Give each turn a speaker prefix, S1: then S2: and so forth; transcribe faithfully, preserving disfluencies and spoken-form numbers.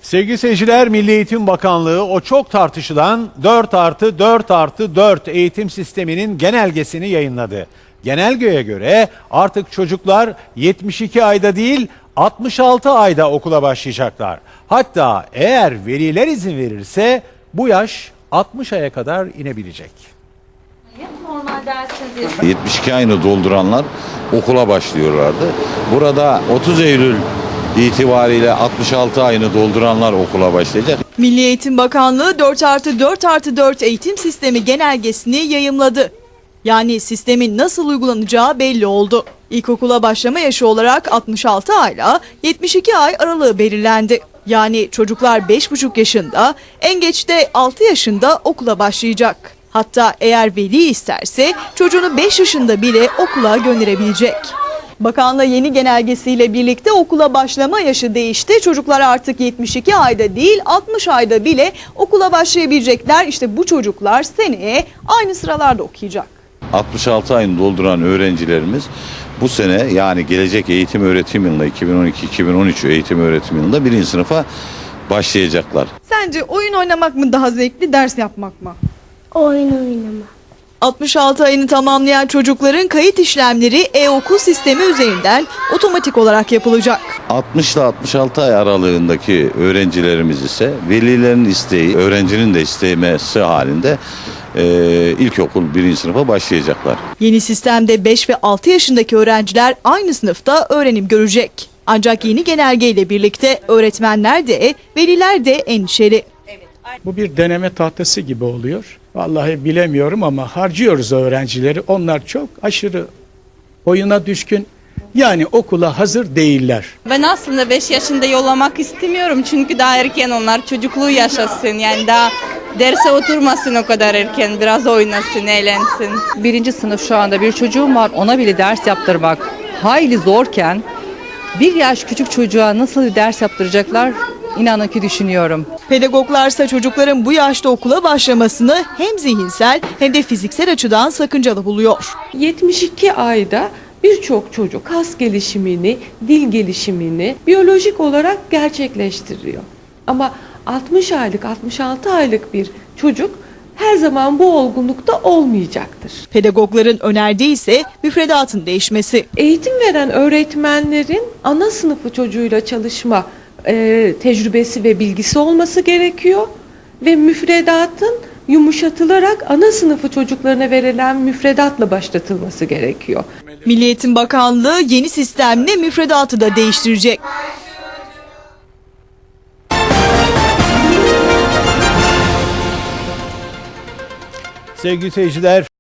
S1: Sevgili seyirciler, Milli Eğitim Bakanlığı o çok tartışılan dört artı dört artı dört eğitim sisteminin genelgesini yayınladı. Genelgeye göre artık çocuklar yetmiş iki ayda değil altmış altı ayda okula başlayacaklar. Hatta eğer veliler izin verirse bu yaş altmış aya kadar inebilecek.
S2: Normal dersiz
S3: yetmiş iki ayını dolduranlar okula başlıyorlardı. Burada otuz Eylül itibariyle altmış altı ayını dolduranlar okula başlayacak.
S4: Milli Eğitim Bakanlığı dört artı dört artı dört eğitim sistemi genelgesini yayımladı. Yani sistemin nasıl uygulanacağı belli oldu. İlkokula başlama yaşı olarak altmış altı ayla yetmiş iki ay aralığı belirlendi. Yani çocuklar beş buçuk yaşında, en geç de altı yaşında okula başlayacak. Hatta eğer veli isterse çocuğunu beş yaşında bile okula gönderebilecek. Bakanlığı yeni genelgesiyle birlikte okula başlama yaşı değişti. Çocuklar artık yetmiş iki ayda değil altmış ayda bile okula başlayabilecekler. İşte bu çocuklar seneye aynı sıralarda okuyacak.
S3: altmış altı ayını dolduran öğrencilerimiz bu sene, yani gelecek eğitim öğretim yılında iki bin on iki iki bin on üç eğitim öğretim yılında birinci sınıfa başlayacaklar.
S4: Sence oyun oynamak mı daha zevkli, ders yapmak mı?
S2: oyun oynama.
S4: altmış altı ayını tamamlayan çocukların kayıt işlemleri e-okul sistemi üzerinden otomatik olarak yapılacak.
S3: altmış ile altmış altı ay aralığındaki öğrencilerimiz ise velilerin isteği, öğrencinin de istemesi halinde e, ilkokul birinci sınıfa başlayacaklar.
S4: Yeni sistemde beş ve altı yaşındaki öğrenciler aynı sınıfta öğrenim görecek. Ancak yeni genelgeyle birlikte öğretmenler de veliler de endişeli.
S5: Bu bir deneme tahtası gibi oluyor. Vallahi bilemiyorum ama harcıyoruz öğrencileri. Onlar çok aşırı oyuna düşkün. Yani okula hazır değiller.
S6: Ben aslında beş yaşında yollamak istemiyorum çünkü daha erken onlar çocukluğu yaşasın. Yani daha derse oturmasın o kadar erken, biraz oynasın, eğlensin.
S7: Birinci sınıf şu anda bir çocuğum var, ona bile ders yaptırmak hayli zorken bir yaş küçük çocuğa nasıl ders yaptıracaklar inanın ki düşünüyorum.
S4: Pedagoglarsa çocukların bu yaşta okula başlamasını hem zihinsel hem de fiziksel açıdan sakıncalı buluyor.
S8: yetmiş iki ayda birçok çocuk kas gelişimini, dil gelişimini biyolojik olarak gerçekleştiriyor. Ama altmış aylık, altmış altı aylık bir çocuk her zaman bu olgunlukta olmayacaktır.
S4: Pedagogların önerdiği ise müfredatın değişmesi.
S8: Eğitim veren öğretmenlerin ana sınıfı çocuğuyla çalışma e, tecrübesi ve bilgisi olması gerekiyor ve müfredatın yumuşatılarak ana sınıfı çocuklarına verilen müfredatla başlatılması gerekiyor.
S4: Milli Eğitim Bakanlığı yeni sistemle müfredatı da değiştirecek.
S1: Sevgili seyirciler,